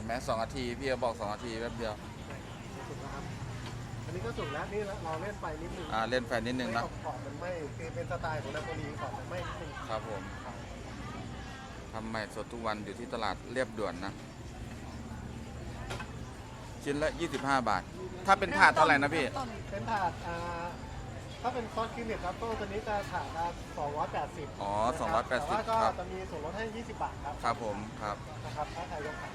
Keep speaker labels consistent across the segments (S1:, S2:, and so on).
S1: ไหม2 นาทีพี่ก็บอก2 นาทีแป๊บเดียว
S2: สุกแล้วครับอันนี้ก็สุกแล้วนี่เราเล่นไฟนิดนึง
S1: เล่นไฟนิดนึงนะ
S2: ขอบมันไม่คือเป็นสไตล์ของนาโปลีขอบมันไม่นิดนึง
S1: ครับผมทำใหม่สดทุกวันอยู่ที่ตลาดเรียบด่วนนะ ชิ้นละ25 บาท ถ้าเป็นถาดเท่าไหร่นะพี่
S2: เป็นถาดถ้าเป็นซอสครีมเน็ตครับตัวนี้จะถาดละ280
S1: อ๋อ
S2: แต่ว่า
S1: 280ครับ
S2: ก็จะมีส่วนลดให้20 บาทครับ
S1: ครับผมครับ
S2: นะครับถ้าใครยกขา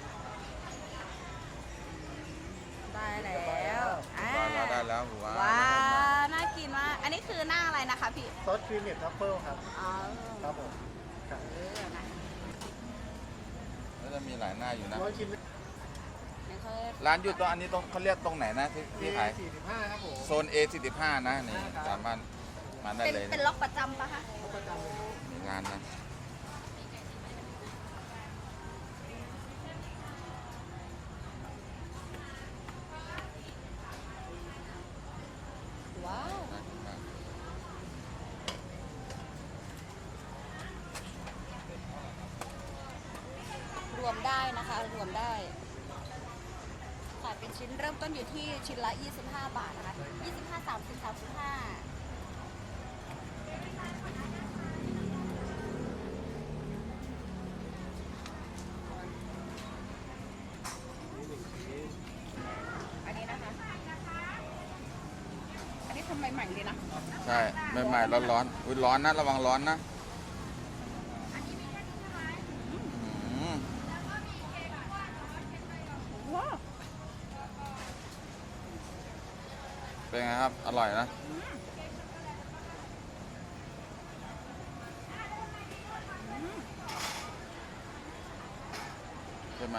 S3: ได้แล้ว
S1: ได้แล้วว้า
S3: ว้าว น่ากินมาก อันนี้คือหน้าอะไรนะคะพี่
S2: ซอสครีมเน็ตทัฟเฟิลครับ
S3: อ๋อ
S2: ครับผมครับ
S3: นะ
S1: แล้วจะมีหลายหน้าอยู่นะ
S2: ร้อยชิ้น
S3: นี่เขา
S1: ร้านอยู่ตรงอันนี้เขาเรียกตรงไหนนะที่ขาย
S2: 45ครับผม
S1: โซน A45 นะนี่สามารถมาได้เลย
S3: เป็นล็อกประจำปะคะ
S2: ประจำเลยครับ
S1: มีร้านนะ
S3: ว้าว รวมได้นะคะ รวมได้ขายเป็นชิ้นเริ่มต้นอยู่ที่ชิ้นละ 25 บาทนะคะ 25 30 35อันนี้นะคะ อันนี้ทำใหม่ๆเลยนะ
S1: ใช่ใหม่ๆร้อนๆอุ้ยร้อนนะระวังร้อนนะอืม
S3: ว้าว
S1: เป็นไงครับ อร่อยนะ ใช่ไหม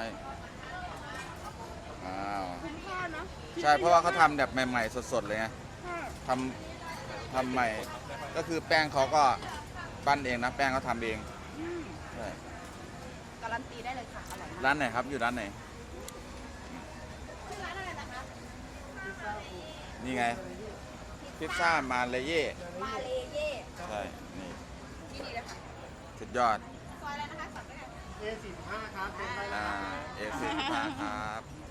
S1: อ้าว
S3: คุ้มค่านะ
S1: ใช่เพราะว่าเขาทำแบบใหม่ๆสดๆเลยไงทำใหม่ก็คือแป้งเขาก็ปั้นเองนะ แป้งเขาทำเองใช่
S3: การันตีได้เลยค่ะ อร่อยมาก
S1: ร้านไหนครับอยู่ร้านไหน
S3: ชื่อร้านอะไรนะคะ
S1: นี่ไงพิซซ่ามาเลเย่
S3: มาเลเย่
S1: ใช่นี่
S3: ที่นี่เลยค่ะ
S1: สุดยอด
S3: ซอยอะไรนะคะสั่งได้ไหม
S2: A45ครับเป็นไฟ
S1: เอฟซีครับ